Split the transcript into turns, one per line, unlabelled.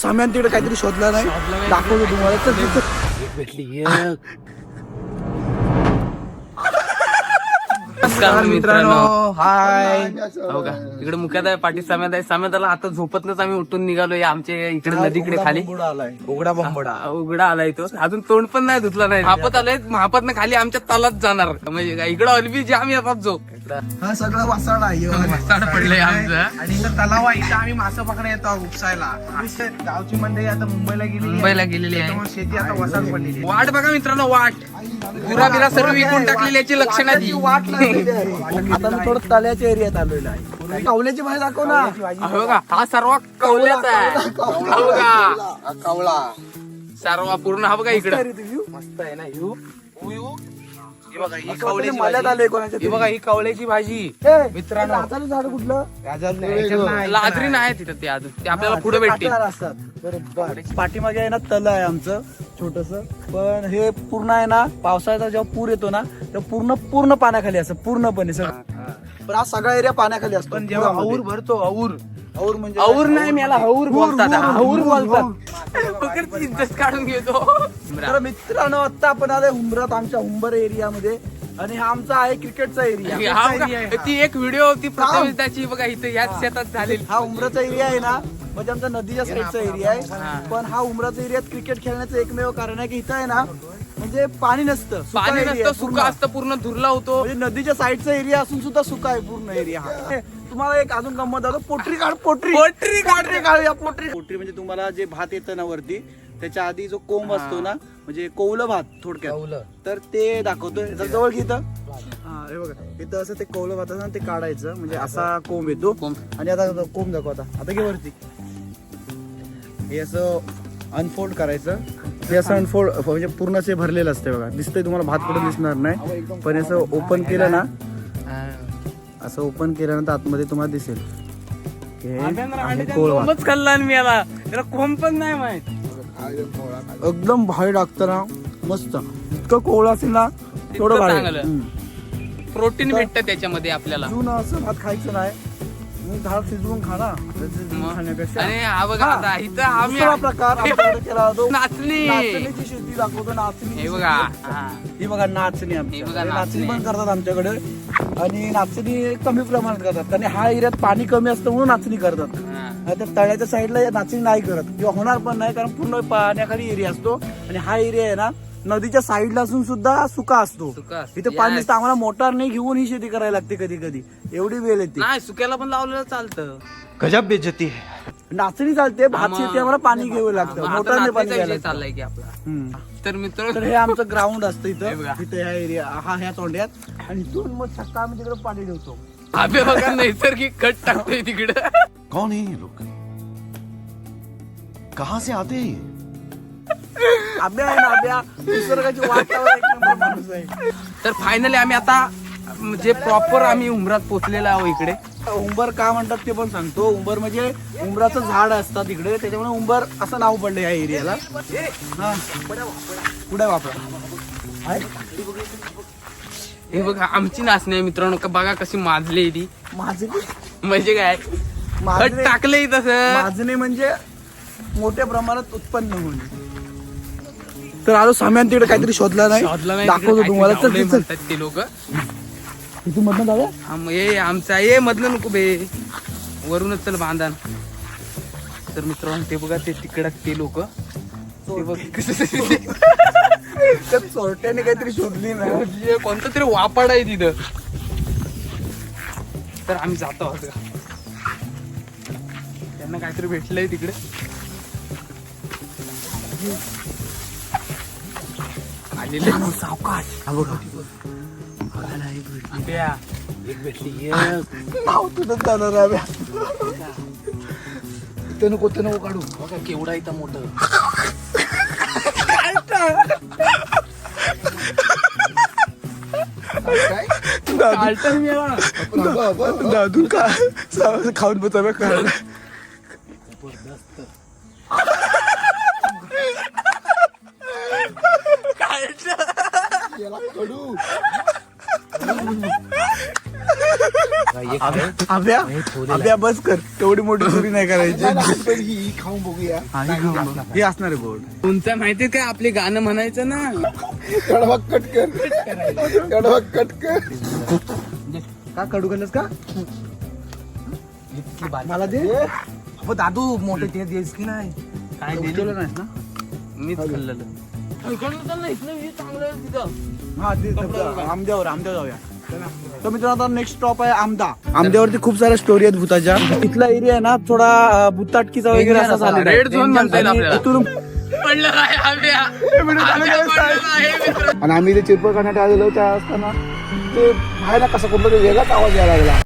साम्यान तिकडे काहीतरी शोधला नाही, दाखवतो तुम्हाला.
भेटली
मित्रांनो, हाय.
हो का, इकडे मुख्यात पाठी साम्यात आहे. साम्याताला आता झोपतच आम्ही उठून निघालोय आमच्या इकडे नदीकडे खाली.
उघडा बंबडा
उघडा आलाय तो, अजून तोंड पण नाही धुतला नाही. महापत आलाय, महापत खाली आमच्या तलात जाणार. म्हणजे इकडं अलबी जाम येतात जो
हा सगळा वासाड आहे.
पडलंय आमचं.
आणि इथं तलाव आहे, इथं आम्ही मासे पकडे येतो उपसायला. गावची मंडळी आता मुंबईला गेलेली आहे. त्यामुळे शेती आता वसाड पडलेली आहे.
वाट बघा मित्रांनो, वाट पुरा बिरा सर्व विकून टाकलेली याची लक्षणं ती.
वाट लागलेली आहे. आता मी थोडं तळ्याच्या एरियात आलेलो आहे. कावल्याची भाजी दाखव ना.
हो का, हा सर्व कवल्याचा आहे. हो का,
कावळा
सर्व पूर्ण हा बघा इकडे
मस्त आहे ना.
ही बघा, ही
कावळ्याची
कावळ्याची
आले कोणाच्या
ही बघा, ही कावळ्याची भाजी मित्रांनो.
मित्रांनो झाड कुठलं
लाजरी नाही तिथं ते अजून, ते आपल्याला पुढे भेटतील.
काटेदार असतात. बरोबर. पाठीमागे आहे ना तल आहे आमचं छोटस, पण हे पूर्ण आहे ना पावसाळ्याचा जेव्हा पूर येतो ना तेव्हा पूर्ण पाण्याखाली असतं, पूर्णपणे सगळं. पण हा सगळा एरिया पाण्याखाली असतो. पण जेव्हा और भरतो, और म्हणजे
और नाही, मला हौर बोलतात. हौर बोलतात.
हौर.
इज्जत काढून घेतो.
तर मित्रांनो, आता आपण आलोय हुंबरात, आमच्या हुंबर एरियामध्ये. आणि हा आमचा आहे क्रिकेटचा एरिया.
हा बघा, ती एक व्हिडिओ होती प्रथम त्याची बघा, इथं याच शेतात झालेली.
हा उमराचा एरिया आहे ना, म्हणजे आमचा नदीच्या साईडचा एरिया आहे. पण हा उमराचा एरियात क्रिकेट खेळण्याचं एकमेव कारण आहे की इथं आहे ना, म्हणजे पाणी नसतं, सुका
पाणी
area
नसतं,
आहे
सुका
पूर्ण.
असतं, पूर्ण धुरला होतो.
म्हणजे नदीच्या साईडचा एरिया असून सुद्धा सुका आहे पूर्ण एरिया हा. तुम्हाला एक अजून गंमत दाखवतो. पोटरी काढ, पोटरी काढूया. पोटरी म्हणजे तुम्हाला जे भात येतं ना वरती, त्याच्या आधी जो कोंब असतो ना, म्हणजे कौलं भात थोडक्यात, तर ते दाखवतोय. जर जवळ घेतं, हा हे बघा, इथं असं ते कौलं भात असं ते काढायचं, म्हणजे असा कोंब येतो. आणि आता कोंब दाखव. आता घे वरती. हे असं अनफोल्ड करायचं. हे असं अनफोल्ड म्हणजे पूर्ण असे भरलेलं असते बघा. दिसतंय तुम्हाला, भात कुठं दिसणार नाही, पण असं ओपन केलं ना, असं ओपन केल्यानंतर आतमध्ये तुम्हाला दिसेल.
कोंबच खाल्ला मी याला, त्याला कोंब पण नाही माहित.
एकदम भारी लागतं ना, मस्त. इतकं कोवळं असेल ना तेवढं भारी.
चांगलं. प्रोटीन भेटतं त्याच्यामध्ये आपल्याला.
जुनं असं भात खायचं नाही, मग डाळ शिजवून खा ना खाण्यापेक्षा.
आणि हा बघा, आता इथं आम्ही
दुसरा प्रकार आमच्याकडे केला जातो.
नाचणी.
नाचणीची शेती दाखवतो. नाचणी
हे बघा,
ही बघा नाचणी.
हे बघा,
नाचणी पण करतात आमच्याकडे. आणि नाचणी कमी प्रमाणात करतात, आणि हा एरियात पाणी कमी असतं म्हणून नाचणी करतात. आता तळ्याच्या साईडला नाचणी नाही करत किंवा होणार पण नाही, कारण पूर्ण पाण्याखाली एरिया असतो. आणि हा एरिया आहे ना नदीच्या साईडला असून सुद्धा सुका असतो. इथे पाणी नसतं. आम्हाला मोटार नाही घेऊन ही शेती करायला लागते कधी कधी, एवढी वेळ येते.
नाही, सुक्याला पण लावलेलं चालतं.
गजब बेइज्जती है. नाचणी चालते, भात शेती आम्हाला पाणी घ्यावं लागतं, मोटारने पाणी घ्यायला लागतं.
चाललाय की आपला. तर मित्र,
तर हे आमचं ग्राउंड असतं इथं. इथे ह्या एरिया ह्या तोंड्यात, आणि इथून मग सकाळ आम्ही तिकडे पाणी ठेवतो.
आबे बघा, नैसर्गिक खत टाकतोय तिकडे.
कौन है ये लोग, कहाँ से आते हैं ये?
आब्या आहे ना, आब्या निसर्गाची वातावरण एक नंबर माणूस आहे.
तर फायनली आम्ही आता म्हणजे प्रॉपर आम्ही उमरात पोहोचलेलो आहोत. इकडे
उंबर का म्हणतात ते पण सांगतो. उंबर म्हणजे उंबराचं झाड असतात इकडे, त्याच्यामुळे उंबर असं नाव पडलं या एरियाला. हा, पुढे वापरा.
हे बघा, आमची नाचणी आहे मित्रांनो. बघा कशी माजली ती.
माजणी
म्हणजे काय, खत
माजणे
टाकलंय तसं.
माजणे म्हणजे मोठ्या प्रमाणात उत्पन्न होणे. तर आलो साम्यान तिकडे काहीतरी शोधला नाही, दाखवतो तुम्हाला. तर
म्हणतात ते लोक.
तिथून मधनं जाऊया.
हे आमचा ये मधलं नको बे, वरूनच चल बांधान. तर मित्रांनो, ते बघा, ते तिकडं ते लोक, ते बघ
त्या चोरट्याने काहीतरी शोधली ना,
कोणतं तरी वापाड आहे तिथं. तर आम्ही जातो आहोत. त्यांना काहीतरी भेटलंय तिकडे. आलेले
सावकाश.
एक भेटली.
नाव तुझं जाणार आहे. ते नको काढू.
बघा केवढा इथं मोठं.
दादू का खाऊन बचाव्या काढ. आभ्या बस कर, तेवढी मोठी चोरी नाही करायची. ही खाऊन बघूया. हे असणार आहे गोड.
तुमचं माहितीये काय आपले गाणं म्हणायचं ना.
का कडू खाल्लंस का? मला दे. दादू मोठे ते देस की नाही.
काय दिलेलं नाही ना, मीच खाल्लेलं.
हा ते आमद्यावर जाऊया. तर मित्रांनो आता नेक्स्ट स्टॉप आहे आमद्यावरती खूप साऱ्या स्टोरी आहेत भूताच्या. इथला एरिया आहे ना थोडा भूताटकीचा वगैरे असा झालेला आहे.
रेड झोन म्हणता येईल आपल्याला.
इथून आणि आम्ही ते चिरपळ करण्यात आलेलो त्या असताना ते बाहेर कसा कुठला वेगळाच आवाज यायला लागला.